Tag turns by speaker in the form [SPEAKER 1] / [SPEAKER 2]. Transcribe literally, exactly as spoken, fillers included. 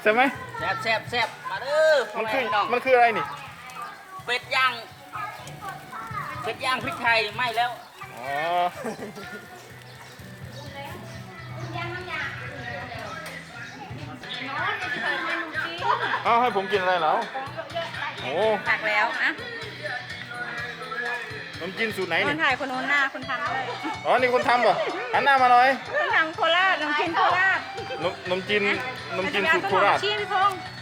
[SPEAKER 1] ช่ไหม
[SPEAKER 2] แซ่บแซ่บแซ่บมาเด้อ
[SPEAKER 1] มันคือ
[SPEAKER 2] น้อง
[SPEAKER 1] มันคืออะไรนี่
[SPEAKER 2] เป็ดย่างเป็ดย่างพริกไทยไม่แล้ว
[SPEAKER 1] อ๋อเอาให้ผมกินอะไรเหรอโอ้
[SPEAKER 3] ตักแล้วอะ
[SPEAKER 1] ขนมจีนสูตรไหน
[SPEAKER 3] ค
[SPEAKER 1] นี่
[SPEAKER 3] นถ่ายคนโน้นหน้าคนทำด้วย
[SPEAKER 1] อ๋อนี่คนทำป่ะหันหน้ามาหน่อย
[SPEAKER 3] คนทำโคราชน้ำกินโคราช
[SPEAKER 1] นมนมจีนนมจีนสูตรโคราช
[SPEAKER 3] ชี้พี่พงษ์